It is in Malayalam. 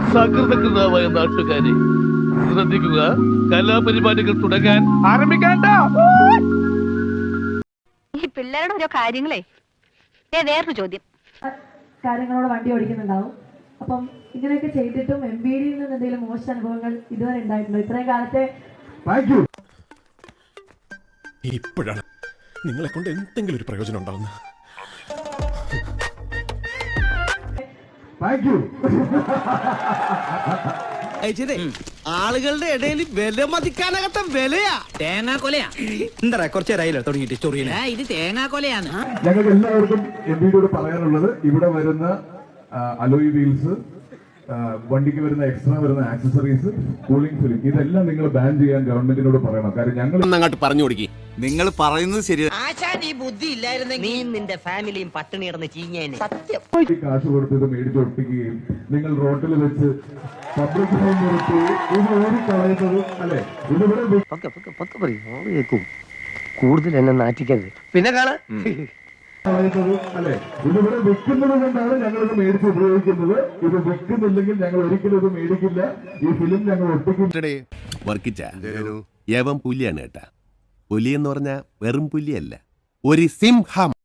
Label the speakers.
Speaker 1: സകൃതകൃതമായ നാട്ടുകാരെ ശ്രദ്ധിക്കുക, കലാപരിപാടികൾ തുടങ്ങാൻ ആരംഭിക്കാൻ.
Speaker 2: ഈ പിള്ളേരുടെ ഓരോ കാര്യങ്ങളെ വേറൊരു ചോദ്യം.
Speaker 3: കാര്യങ്ങളോട് വണ്ടി ഓടിക്കുന്നുണ്ടാവും. അപ്പം ഇങ്ങനെയൊക്കെ ചെയ്തിട്ടും MBD നിന്ന് എന്തെങ്കിലും മോശം അനുഭവങ്ങൾ ഇതുവരെ ഉണ്ടായിട്ടുണ്ടോ ഇത്രയും കാലത്തെ?
Speaker 4: ഇപ്പോഴാണ് നിങ്ങളെ കൊണ്ട് എന്തെങ്കിലും ഒരു പ്രയോജനം ഉണ്ടാവുന്നത്.
Speaker 5: ആളുകളുടെ ഇടയിൽ വില മതിക്കാനകത്ത വിലയാ.
Speaker 6: തേങ്ങാ കൊലയാ.
Speaker 5: എന്താ കുറച്ചു നേരമായില്ലോ തുടങ്ങിയിട്ട് ചൊറിയനെ.
Speaker 6: ഇത് തേങ്ങാ കൊലയാണ്.
Speaker 7: ഞങ്ങൾക്ക് എല്ലാവർക്കും MBDയോട് പറയാനുള്ളത്, ഇവിടെ വരുന്ന അലോയ് വീൽസ്, വണ്ടിക്ക് വരുന്ന എക്സ്ട്രാ വരുന്ന ആക്സസറീസ്, കൂളിംഗ് ഫിലിം, ഇതെല്ലാം നിങ്ങൾ ബാൻ ചെയ്യാൻ ഗവൺമെന്റിനോട് പറയണം. കാര്യം ഞങ്ങൾ
Speaker 4: അങ്ങോട്ട് പറഞ്ഞു കൊടുക്കി.
Speaker 5: നിങ്ങൾ പറയുന്നത് ശരിയാണ്.
Speaker 6: ആശാൻ ഈ ബുദ്ധി ഇല്ലായിരുന്നെങ്കിൽ നീ നിന്റെ ഫാമിലിയും പട്ടിണി കിടന്ന് ചീഞ്ഞേനെ. സത്യം.
Speaker 7: കാശ് കൊടുത്ത് ഇത് മേടിച്ചൊട്ടിക്കുകയും നിങ്ങൾ റോട്ടിൽ വെച്ച് പബ്ലിക് ഹോം നിർത്തി ഇത് ഓടിക്കളയുന്നത് അല്ലെ? ഇതിവിടെ
Speaker 8: കൂടുതൽ എന്നെ നാറ്റിക്കരുത്.
Speaker 5: പിന്നെ കാണാ
Speaker 7: കളയുന്നത് അല്ലെ? ഇതിവിടെ വിൽക്കുന്നത് കൊണ്ടാണ് ഞങ്ങൾ ഇത് മേടിച്ച് ഉപയോഗിക്കുന്നത്. ഇത് വിൽക്കുന്നില്ലെങ്കിൽ ഞങ്ങൾ ഒരിക്കലും ഇത് മേടിക്കില്ല. ഈ ഫിലിം ഞങ്ങൾ ഒട്ടിക്കും.
Speaker 4: യവം പുലിയാണ് കേട്ടാ. പുലി എന്ന് പറഞ്ഞാൽ വെറും പുലിയല്ല, ഒരു സിംഹം.